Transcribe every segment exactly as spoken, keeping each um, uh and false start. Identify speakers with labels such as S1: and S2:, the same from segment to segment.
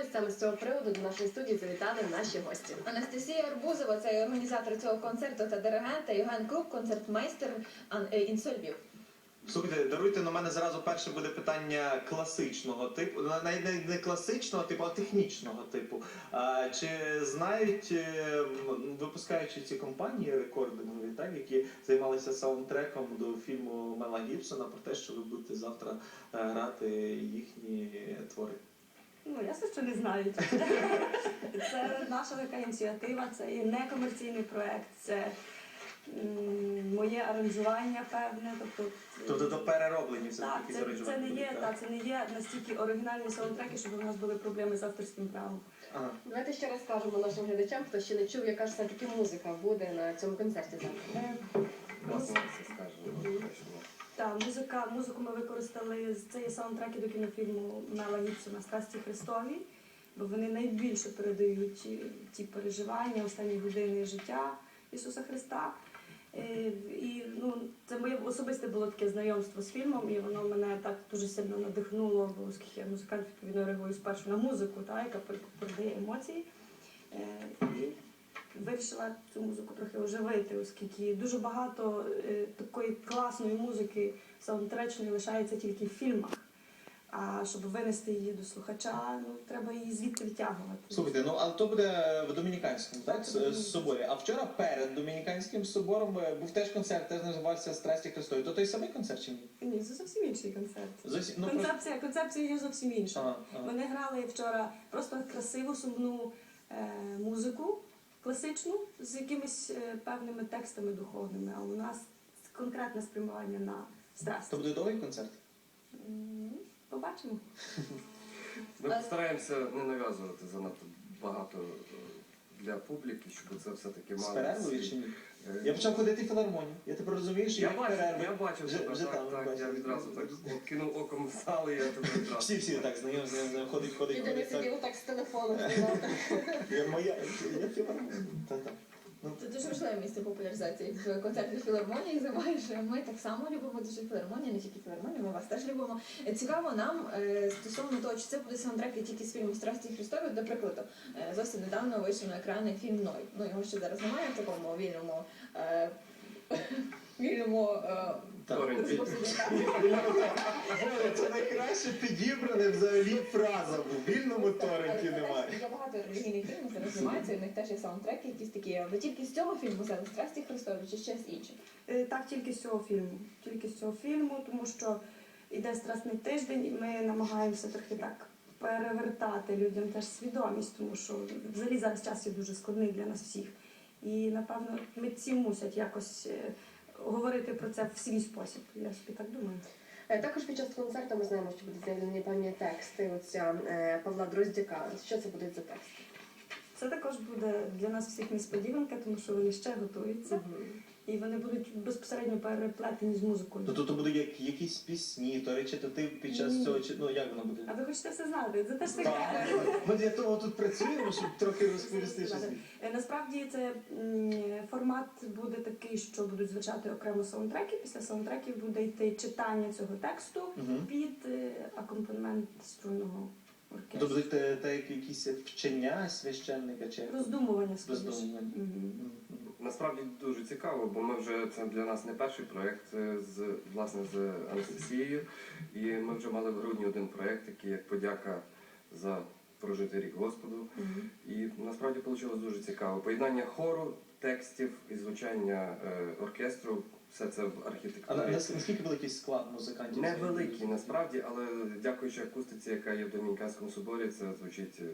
S1: саме з цього приводу до нашої студії завітали наші гості. Анастасія Арбузова, це організатор цього концерту та диригент, та Євген Крук, концертмейстер «Інсоль Львів».
S2: Слухайте, даруйте, на мене зразу перше буде питання класичного типу, навіть не, не класичного типу, а технічного типу. А, чи знають, випускаючи ці компанії рекордингові, так, які займалися саундтреком до фільму Мела Гібсона, про те, що ви будете завтра грати їхні твори?
S3: Ну, ясно, що не знають. Це наша така ініціатива, це є некомерційний проєкт, це моє аранжування певне. Тобто,
S2: тобто до перероблені
S3: все-таки
S2: якісь аранжування?
S3: Це не є, так, це не є настільки оригінальні саундтреки, щоб у нас були проблеми з авторським правом.
S2: Ага.
S1: Давайте ще раз скажемо нашим глядачам, хто ще не чув, яка ж все-таки музика буде на цьому концерті завтра.
S4: Власне, все скажемо.
S3: Так, музика, музику ми використали, це є саундтреки до кінофільму Мела Гібсона «Страсті Христові», бо вони найбільше передають ті переживання останні години життя Ісуса Христа. І ну, це моє особисте було таке знайомство з фільмом, і воно мене так дуже сильно надихнуло, бо оскільки я музикант, відповідно реагую спершу на музику, та, яка передає емоції. І вирішила цю музику трохи оживити, оскільки дуже багато е, такої класної музики саундтречної лишається тільки в фільмах. А щоб винести її до слухача, ну, треба її звідти витягувати.
S2: Слухайте, ну але то буде в Домініканському, так,
S3: так
S2: соборі. А вчора перед Домініканським собором був теж концерт, теж називався «Страсті Христові». То той самий концерт чи ні?
S3: Ні, це зовсім інший концерт.
S2: Зовсім, ну,
S3: концепція, концепція є зовсім інша.
S2: Ага, ага.
S3: Вони грали вчора просто красиву, сумну е, музику класичну з якимись е, певними текстами духовними, а у нас конкретне спрямування на страсті.
S2: То буде довгий концерт?
S3: М, Побачимо.
S4: Ми постараємося не нав'язувати занадто багато для публіки, щоб це все-таки
S2: З
S4: мало...
S2: перервою чи ні?
S4: Е,
S2: Я почав ходити в філармонію. Я тепер розумію, що
S4: Я
S2: як
S4: бачив,
S2: перерва.
S4: я бачив
S2: Вже-
S4: тебе,
S2: вже
S4: так,
S2: там,
S4: так,
S2: бачив.
S4: я відразу так от кинув оком в зал, і я тебе відразу.
S2: Всі, всі так, знайомі, знайомі, ходить, ходить,
S1: Єдине
S2: ходить.
S1: сидів
S2: Так.
S1: так з телефоном.
S2: Я моя, я філармонія. Та-та. Ну,
S1: Це дуже важливе місце популяризації в концертних філармоніях. Займаєш, ми так само любимо дуже філармонію, не тільки філармонію, ми вас теж любимо. Цікаво нам е, стосовно того, чи це буде саундтреки тільки з фільму «Страсті Христові». До прикладу, е, зовсім недавно вийшов на екрани фільм «Ной». Ну, його ще зараз немає в такому вільному, е, вільному е,
S4: Торренті.
S1: розповсюдженні.
S2: це найкраще підібране взагалі фраза. В вільному торренті немає.
S1: Є багато релігійних фільмів, зараз знімаються, і в них теж є саундтреки, якісь такі. Ви тільки з цього фільму взяли «Страсті Христові» чи ще з інших?
S3: Е, Так, тільки з цього фільму. Тільки з цього фільму, тому що йде Страсний тиждень, і ми намагаємося трохи так перевертати людям теж свідомість, тому що взагалі зараз час є дуже складний для нас всіх. І, напевно, митці мусять якось е, говорити про це в свій спосіб. Я собі так думаю.
S1: Також під час концерту ми знаємо, що будуть заявлені певні тексти оця е, Павла Дроздяка. Що це будуть за тексти?
S3: Це також буде для нас всіх несподіванка, тому що вони ще готуються. І вони будуть безпосередньо переплетені з музикою.
S2: То тут будуть як, якісь пісні, то речитатив під час
S3: Ні.
S2: цього, чи- ну як воно буде?
S3: А ви хочете все знати? Це теж
S2: Так,
S3: таке.
S2: ми для того тут працюємо, щоб трохи розповісти щось.
S3: Е, Насправді це м, формат буде такий, що будуть звучати окремо саундтреки. Після саундтреків буде йти читання цього тексту
S2: Мгм.
S3: під е, акомпанемент струнного
S2: То
S3: оркестру.
S2: будуть те, те, як якісь вчення священника чи
S3: Роздумування складніше.
S2: роздумування.
S3: Мгм.
S2: Мгм.
S4: Насправді дуже цікаво, бо ми вже, це для нас не перший проєкт е, з, власне, з Анастасією. І ми вже мали в грудні один проєкт, який як подяка за прожитий рік Господу.
S3: Мгм.
S4: І насправді вийшло дуже цікаво. Поєднання хору, текстів і звучання е, оркестру, все це в
S2: А на-
S4: архітектурі.
S2: на- наскільки великий склад музикантів?
S4: Невеликий насправді, але дякуючи акустиці, яка є в Домініканському соборі, це звучить е,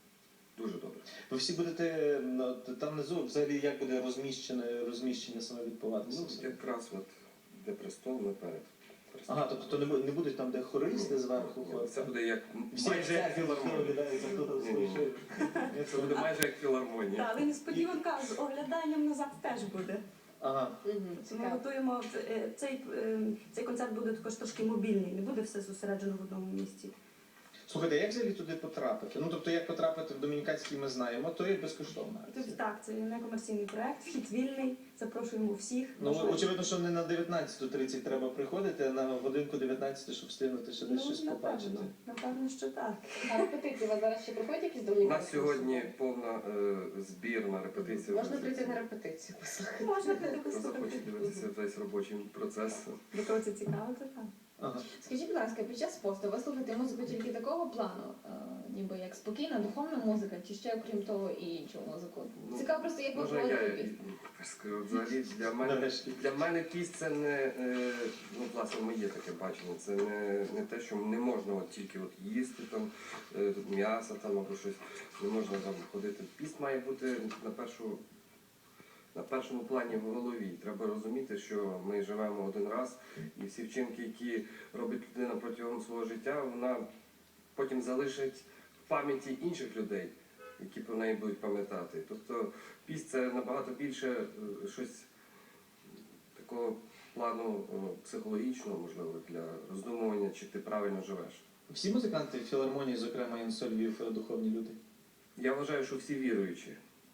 S4: дуже добре.
S2: Ви всі будете ну, там внизу, взагалі як буде розміщене, розміщення саме відбуватися?
S4: Ну, якраз от де престол, ми перед престолом.
S2: Ага, тобто то не, бу- не будуть там, де хористи зверху
S4: Ні,
S2: ходять?
S4: Це буде як
S2: Всі
S4: майже як філармонія.
S2: виглядають, як тут
S4: Ні, ні, ні.
S2: слухають.
S4: Це буде майже як філармонія.
S3: Так, але несподіванка з огляданням назад теж буде.
S2: Ага.
S3: Ми готуємо е, цей, е, цей концерт буде також трошки мобільний, не буде все зосереджено в одному місці.
S2: Слухайте, як взагалі туди потрапити? Ну тобто, як потрапити в Домініканський, ми знаємо, то є безкоштовна акція.
S3: Тут так, це не комерційний проект, вхід вільний, запрошуємо всіх.
S2: Ну,
S3: Можна-
S2: очевидно, що не на дев'ятнадцяту тридцять треба приходити, а на годинку дев'ятнадцяту, щоб встигнути ще десь щось побачити.
S3: напевно, напевно, що так.
S1: А репетиції у вас зараз ще проходять якісь
S4: У
S1: домініканські?
S4: нас сьогодні повна е, збір на репетицію.
S5: Можна прийти на репетицію послухати.
S3: Можна прийти
S4: Хто захоче
S3: послухати.
S4: дивитися весь робочий процес.
S3: До кого це цікаво, то так.
S2: Ага.
S1: Скажіть, будь ласка, під час посту ви слухаєте музику тільки такого плану, е, ніби як спокійна, духовна музика, чи ще окрім того і іншу музику?
S4: Ну,
S1: Цікаво просто, як ви
S4: Можна я
S1: проводите
S4: і-
S1: пісню.
S4: і скажу, взагалі для мене
S2: Нарешті.
S4: для мене піс це не е, ну власне моє таке бачення. Це не, не те, що не можна от тільки от їсти там е, м'ясо там або щось. Не можна там ходити. Піст має бути на першу. На першому плані в голові треба розуміти, що ми живемо один раз, і всі вчинки, які робить людина протягом свого життя, вона потім залишить в пам'яті інших людей, які про неї будуть пам'ятати. Тобто піст це набагато більше е, щось такого плану о, психологічного, можливо, для роздумування, чи ти правильно живеш.
S2: Всі музиканти в філармонії, зокрема Інсо Львів, духовні люди.
S4: Я вважаю, що всі віруючі.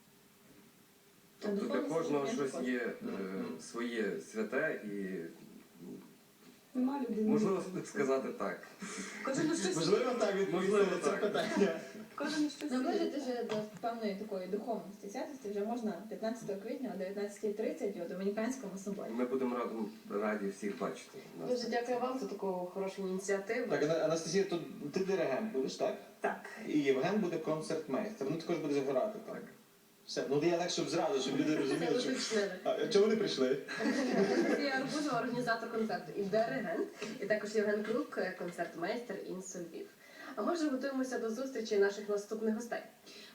S1: А
S4: Тобто для
S1: духовність
S4: кожного
S1: не
S4: щось
S1: також.
S4: є е,
S2: Мгм.
S4: своє святе і
S3: Нема людини.
S4: можливо сказати так.
S3: Кожен на щось,
S2: Можливо, так відповісти
S4: Можливо,
S2: на це
S4: так.
S2: питання.
S3: кожен на щось.
S1: Наближити вже до певної такої духовності святості вже можна п'ятнадцятого квітня о дев'ятнадцятій тридцять у Домініканському соборі.
S4: Ми будемо радом, раді всіх бачити. Нас.
S5: Дуже дякую вам за таку хорошу ініціативу.
S2: Так, Ана- Анастасія, то ти диригент будеш, так?
S3: Так.
S2: І Євген буде концертмейстер. Він також буде грати, так? Все. Ну я так, щоб зразу, щоб люди
S5: Це
S2: розуміли, що.
S5: уточнили.
S2: А чого вони прийшли?
S5: Анастасія Арбузова, організатор концерту і диригент, і також Євген Крук, концертмейстер Інсо Львів. А ми вже готуємося до зустрічі наших наступних гостей.